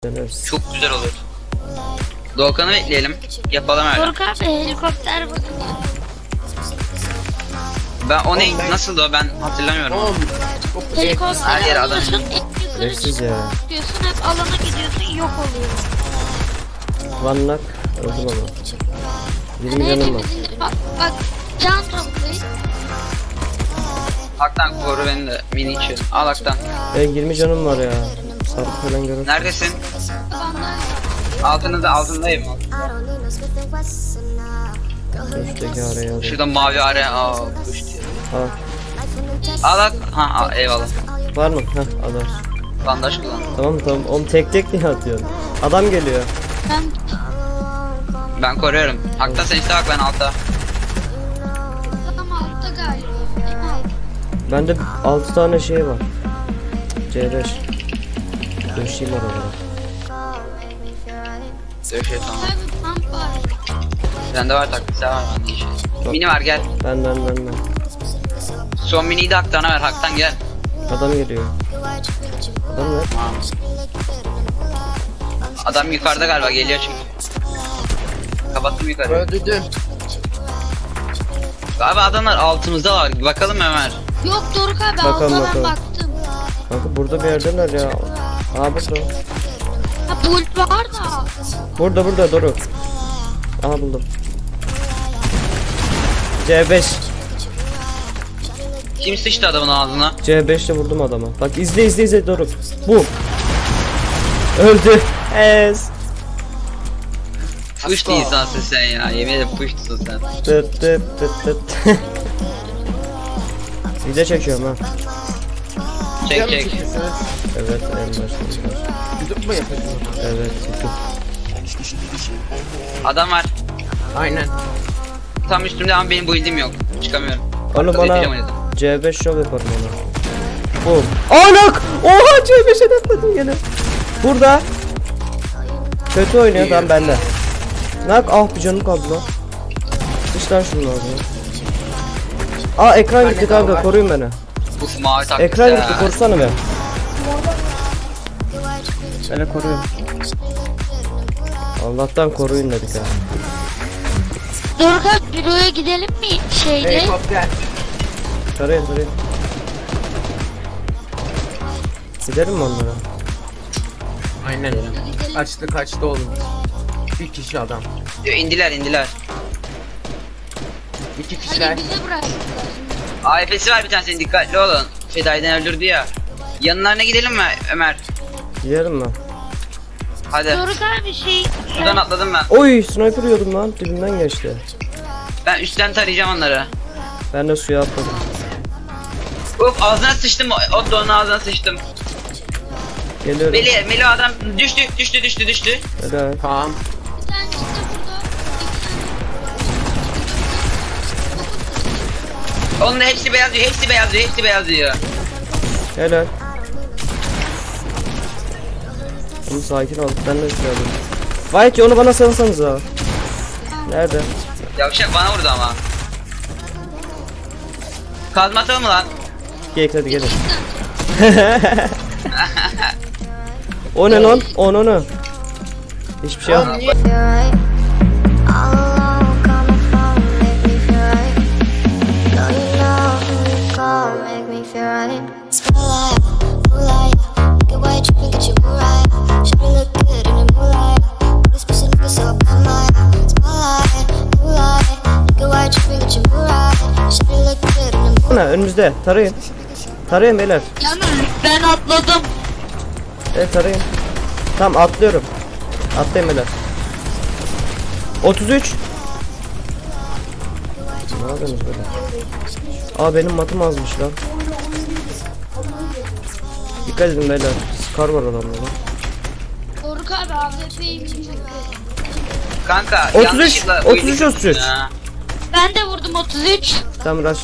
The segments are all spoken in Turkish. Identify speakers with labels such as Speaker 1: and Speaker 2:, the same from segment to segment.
Speaker 1: Deneriz.
Speaker 2: Çok güzel olur. Doğukan'ı bekleyelim. Yapalım öyle.
Speaker 3: Doruk abi helikopter bakın.
Speaker 2: Ben o ne? Nasıldı o? Ben hatırlamıyorum.
Speaker 3: Helikopter
Speaker 2: Her yere adam.
Speaker 3: alıyorsun, en yukarı
Speaker 1: Şerefsiz ya.
Speaker 3: çıkıyorsun, hep alana gidiyorsun, yok oluyor.
Speaker 1: One knock. Öldüm ama. 20
Speaker 3: Hani
Speaker 1: canım var.
Speaker 3: hepimizin bak can toplayın.
Speaker 2: Haktan koru beni de mini için. Al Haktan.
Speaker 1: 20 canım var ya. Sarı falan görür.
Speaker 2: Neredesin?
Speaker 3: Adamlar
Speaker 2: Altındayım.
Speaker 1: Üstteki araya alayım.
Speaker 2: Şurada mavi araya. Aa, kuş diyor.
Speaker 1: Ha.
Speaker 2: Al at. Ha eyvallah.
Speaker 1: Var mı? Heh adam.
Speaker 2: Bandaj kullan.
Speaker 1: Tamam. Oğlum tek niye atıyorsun? Adam geliyor.
Speaker 3: ben
Speaker 2: Ben koruyorum. Haktan sen işte bak ben altta.
Speaker 3: adam altta galiba. En alt.
Speaker 1: Bende 6 tane şey var. C5. Döşeyim oralara.
Speaker 2: Dövüşe tamam.
Speaker 3: Abi pump var.
Speaker 2: Sende var taktik var bende işe. Mini var gel.
Speaker 1: Benden.
Speaker 2: Son miniyi de Haktan'a ver. Haktan gel.
Speaker 1: Adam geliyor. Adam ne?
Speaker 2: Tamam. Adam yukarıda galiba geliyor çünkü. Kapattım yukarı.
Speaker 4: Öldürdüm.
Speaker 2: Galiba adamlar altımızda var. Bakalım Ömer.
Speaker 3: Yok Doruk abi
Speaker 1: Bakalım,
Speaker 3: altta
Speaker 1: bakalım.
Speaker 3: ben baktım.
Speaker 1: Kanka burada bir yerdeler ya. Aa burada.
Speaker 3: Ha pult var da.
Speaker 1: Burada Doruk. Aha buldum. C5.
Speaker 2: Kim sıçtı adamın ağzına?
Speaker 1: C5 ile vurdum adama. Bak izle Doruk. Bu. Öldü. Ez.
Speaker 2: Puşt insansın sen ya. Yemin ederim puştsun sen.
Speaker 1: Tıt. Video çekiyorum ha.
Speaker 2: Çek.
Speaker 1: Evet en başında.
Speaker 4: YouTube mu yapıyorsun?
Speaker 1: Evet YouTube.
Speaker 2: Adam var.
Speaker 4: Aynen.
Speaker 2: Tam üstümde ama benim build'im yok. Çıkamıyorum.
Speaker 1: Oğlum
Speaker 2: Arkada
Speaker 1: bana
Speaker 2: yapacağım oynadım.
Speaker 1: C5 şov yaparım ona. Boom. Anak! Oha C5'e atladım gene. Burada. Kötü oynuyor tam bende. Nak ah bir canım kaldı lan. Dıştan şunu lazım. Aa ekran gitti kanka koruyun beni.
Speaker 2: Uf mavi taktik
Speaker 1: Ekran
Speaker 2: ya.
Speaker 1: gitti korusana be. Beni koruyun. Allah'tan koruyun dedik ha.
Speaker 3: Doruk abi büroya gidelim mi şeyle?
Speaker 4: Helikopter.
Speaker 1: Tarayın. Gidelim mi onlara?
Speaker 4: Aynen. Kaçtı oğlum. Bir kişi adam.
Speaker 2: İndiler.
Speaker 4: İki
Speaker 3: Hadi
Speaker 4: kişiler.
Speaker 3: bize bıraktılar.
Speaker 2: AFP'si var bir tanesinin dikkatli olun. Fedai'den öldürdü ya. Yanlarına gidelim mi Ömer?
Speaker 1: Gidelim mi?
Speaker 2: Hadi.
Speaker 3: Doruk abi şey...
Speaker 2: Buradan atladım ben.
Speaker 1: Oy sniper yiyordum lan dibimden geçti.
Speaker 2: Ben üstten tarayacağım onları.
Speaker 1: Ben de suya atladım.
Speaker 2: Uf ağzına sıçtım. Otto'nun ağzına sıçtım.
Speaker 1: Geliyorum.
Speaker 2: Meli adam düştü.
Speaker 1: Helal.
Speaker 4: Tamam.
Speaker 3: Bir tane işte burada.
Speaker 2: Onun da hepsi beyaz diyor.
Speaker 1: Helal. Oğlum sakin ol. Ben de suya alayım. Vay ki onu bana salsanız ha. Nerede?
Speaker 2: Yavşak bana vurdu ama. Kazma atalım mı lan?
Speaker 1: Geyik hadi gelin. O ne lan? Onu. Hiçbir şey yok.
Speaker 4: Oğlum niye?
Speaker 5: You're right. All alone, coming from, make me feel right. No, you know who you call, make me feel right. Spotlight, moonlight, get white, tripping, get you right. Should look good in the moonlight. All these pussy niggas so bad, my spotlight, moonlight, get white, tripping, get you right. Should look good in the
Speaker 1: Bu ne? Önümüzde. Tarayın beyler.
Speaker 3: Yalnız ben atladım.
Speaker 1: Evet tarayın. Tamam atlıyorum. Atlayın beyler. 33. Ne yapıyorsunuz böyle? Aa benim matım azmış lan. Dikkat edin beyler. Scar var adamda.
Speaker 3: Doruk abi AWP'yi
Speaker 2: Kanka
Speaker 1: 33,
Speaker 2: yanlışlıkla
Speaker 1: 33, 33.
Speaker 2: Ha.
Speaker 3: Ben de vurdum 33.
Speaker 1: Tamam rush.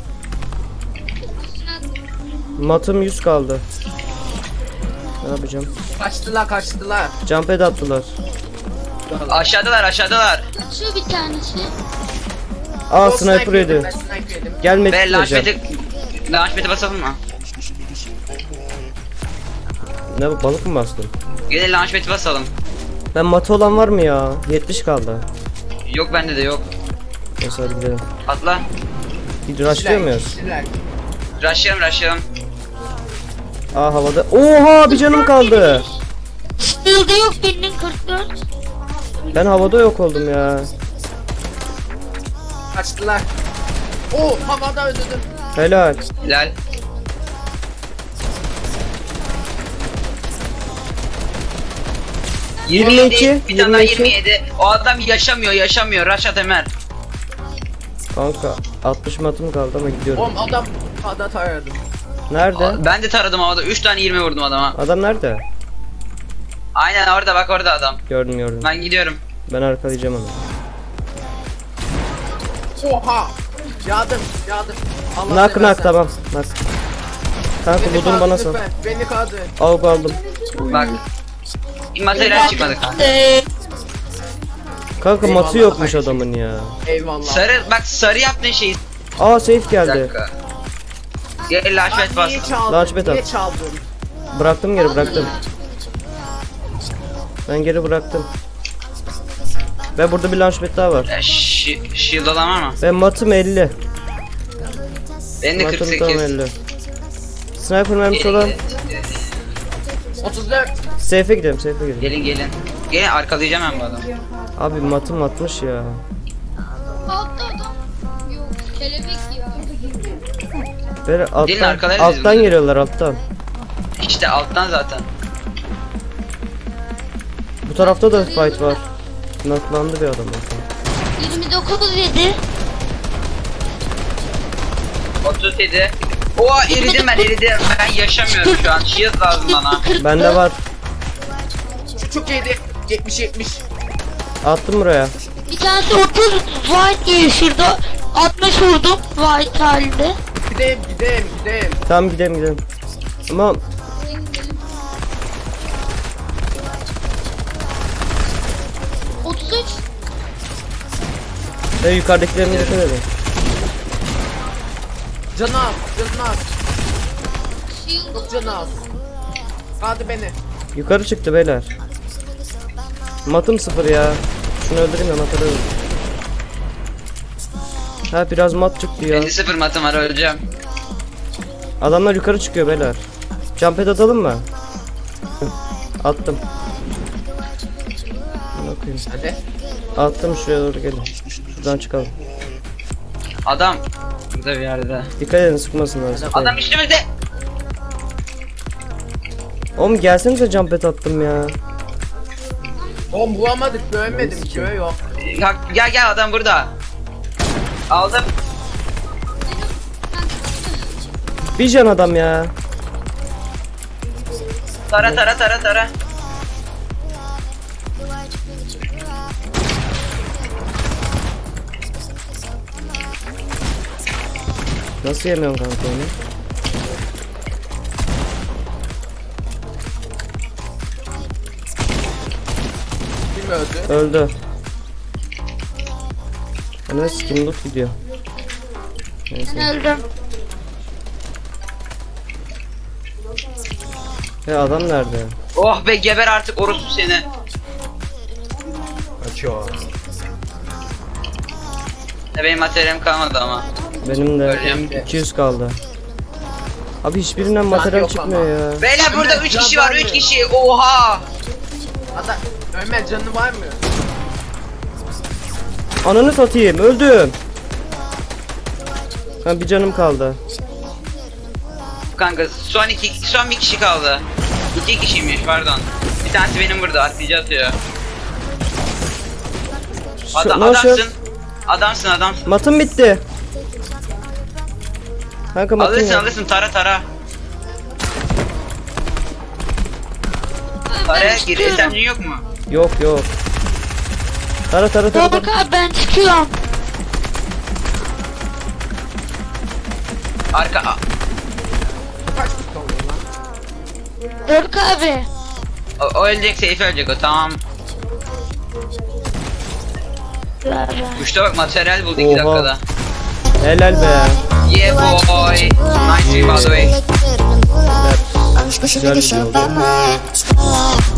Speaker 1: Matım 100 kaldı. Ne yapacağım?
Speaker 4: Kaçtılar.
Speaker 1: Jump pad attılar.
Speaker 2: Aşağıdalar.
Speaker 3: Şu bir tanesi.
Speaker 1: Aa
Speaker 4: O
Speaker 1: sniper yedi.
Speaker 4: Ben sniper yedim.
Speaker 1: Gelmek
Speaker 2: Ve
Speaker 1: isteyeceğim.
Speaker 2: launchpad'e basalım mı?
Speaker 1: Ne balık mı bastın?
Speaker 2: Gelin launchpad'i basalım.
Speaker 1: Ben matı olan var mı ya? 70 kaldı.
Speaker 2: Yok bende de yok.
Speaker 1: Neyse hadi gidelim.
Speaker 2: Atla.
Speaker 1: Rushlıyor muyuz?
Speaker 4: kişiler.
Speaker 2: Rushlayalım.
Speaker 1: Aa havada. Oha bir canım kaldı.
Speaker 3: Shield'ı yok birinin 44.
Speaker 1: Ben havada yok oldum ya.
Speaker 4: Kaçtılar. Oo havada öldürdüm.
Speaker 1: Helal.
Speaker 2: Hilal.
Speaker 1: Yirmi iki,
Speaker 2: Bir tane daha
Speaker 1: 22.
Speaker 2: 27. O adam yaşamıyor. Rush at Ömer.
Speaker 1: Kanka 60 matım kaldı ama gidiyorum.
Speaker 4: Oğlum adam havada taradım.
Speaker 1: Nerede?
Speaker 2: Ben de taradım havada. 3 tane 20 vurdum adama.
Speaker 1: Adam nerede?
Speaker 2: Aynen orada bak orada adam.
Speaker 1: Gördüm.
Speaker 2: Ben gidiyorum.
Speaker 1: Ben arkalayacağım onu.
Speaker 4: Oha. Yardım. Allah
Speaker 1: Nak
Speaker 4: seversen.
Speaker 1: tamam. Nak. Kanka
Speaker 4: Beni
Speaker 1: budun
Speaker 4: kaldır
Speaker 1: bana sal.
Speaker 4: lütfen, beni kaldır.
Speaker 1: Aldım.
Speaker 2: Bak. Materyal çıkmadı kanka.
Speaker 1: Kanka
Speaker 4: Eyvallah,
Speaker 1: matı yokmuş
Speaker 4: kardeşim.
Speaker 1: adamın ya.
Speaker 4: Eyvallah.
Speaker 2: Sarı yaptığın şeyi.
Speaker 1: Aa safe
Speaker 2: Bir
Speaker 1: geldi.
Speaker 2: dakika. Gel launchpad bas.
Speaker 4: Niye çaldın?
Speaker 1: Launchpad
Speaker 4: Niye
Speaker 1: at.
Speaker 4: çaldın?
Speaker 1: Bıraktım geri bıraktım. Ben geri bıraktım. Ve burada bir launchpad daha var.
Speaker 2: Shield olan var mı?
Speaker 1: Ve matım 50.
Speaker 2: Benim de
Speaker 1: Matım tam
Speaker 2: 48.
Speaker 1: 50. Sniper mermisi olan.
Speaker 4: 34.
Speaker 1: Safe'e gidelim gidelim.
Speaker 2: Gelin. Gelin arkalayacağım ben bu adamı.
Speaker 1: Abi matım atmış ya.
Speaker 3: Altta adam. Yok kelebek ya.
Speaker 1: Böyle
Speaker 2: Gelin
Speaker 1: alttan,
Speaker 2: arkalarız biz
Speaker 1: alttan
Speaker 2: bunu.
Speaker 1: geliyorlar alttan.
Speaker 2: İşte alttan zaten.
Speaker 1: Bu tarafta da fight var. Naklandı bir adam orada.
Speaker 3: 29 yedi.
Speaker 2: 37. Oha eridim. Ben yaşamıyorum şu an. Shield lazım bana.
Speaker 1: Bende var.
Speaker 4: Çok iyiydi. 70.
Speaker 1: Attım buraya.
Speaker 3: Bir tanesi 30 white diye şurada 60 vurdum white halinde.
Speaker 4: Gideyim.
Speaker 1: Tamam gidelim. Ama
Speaker 3: 33.
Speaker 1: ve yukarıdakilerine dikkat edin.
Speaker 4: Canı az. Çok canı az. Kaldı beni.
Speaker 1: Yukarı çıktı beyler. Matım 0 ya. Şunu öldüreyim de matı öldüreyim. Ha biraz mat çıktı ya.
Speaker 2: 50-0 matım var öleceğim.
Speaker 1: Adamlar yukarı çıkıyor beyler. Jump pad atalım mı? Attım. Bakayım.
Speaker 4: Hadi.
Speaker 1: Attım şuraya doğru gelin. Şuradan çıkalım.
Speaker 2: Adam. Burada bir yerde.
Speaker 1: Dikkat edin sıkmasınlar.
Speaker 2: Adam üstümüzde.
Speaker 1: Oğlum gelsenize jump pad attım ya.
Speaker 4: Oğlum vuramadık. Görmedim. Göğe yok.
Speaker 2: Gel adam burada. Aldım.
Speaker 1: Bir can adam ya.
Speaker 2: Tara.
Speaker 1: Nasıl yemiyorsun kanka onu?
Speaker 4: Kim öldü?
Speaker 1: Öldü. Ana skin loot gidiyor. Neyse.
Speaker 3: Öldüm.
Speaker 1: Ya adam nerede?
Speaker 2: Oh be geber artık orospu seni.
Speaker 4: Açıyor.
Speaker 2: Benim materyalim kalmadı ama.
Speaker 1: Benim de
Speaker 2: Öleceğim.
Speaker 1: 200 kaldı. Abi hiçbirinden materyal
Speaker 4: yok
Speaker 1: çıkmıyor
Speaker 4: ama.
Speaker 1: ya.
Speaker 2: Beyler burada
Speaker 4: Ömer,
Speaker 2: 3
Speaker 4: can
Speaker 2: kişi var
Speaker 4: var
Speaker 2: 3
Speaker 4: mı?
Speaker 2: kişi. Oha.
Speaker 4: Hatta Ömer canı var mı?
Speaker 1: Ananı satayım öldüm. Ha bir canım kaldı.
Speaker 2: Kanka son bir kişi kaldı. 2 kişiymiş pardon. Bir tanesi benim burada atlayıcı atıyor.
Speaker 1: Nasıl?
Speaker 2: Adamsın.
Speaker 1: Matım bitti. Kanka matım yok.
Speaker 2: Alırsın tara. Taraya gir.
Speaker 3: çıkıyorum.
Speaker 2: SMG yok mu?
Speaker 1: Yok. Tara.
Speaker 3: Doruk abi ben çıkıyorum.
Speaker 2: Arka.
Speaker 4: Kaç kutu oluyor lan?
Speaker 3: Doruk abi.
Speaker 2: O ölecek, safe ölecek o tamam. Uçta bak materyal buldu 2
Speaker 1: Oha.
Speaker 2: dakikada.
Speaker 1: Helal be.
Speaker 2: Yeah boy. Nice by the way.
Speaker 1: Güzel video oldu.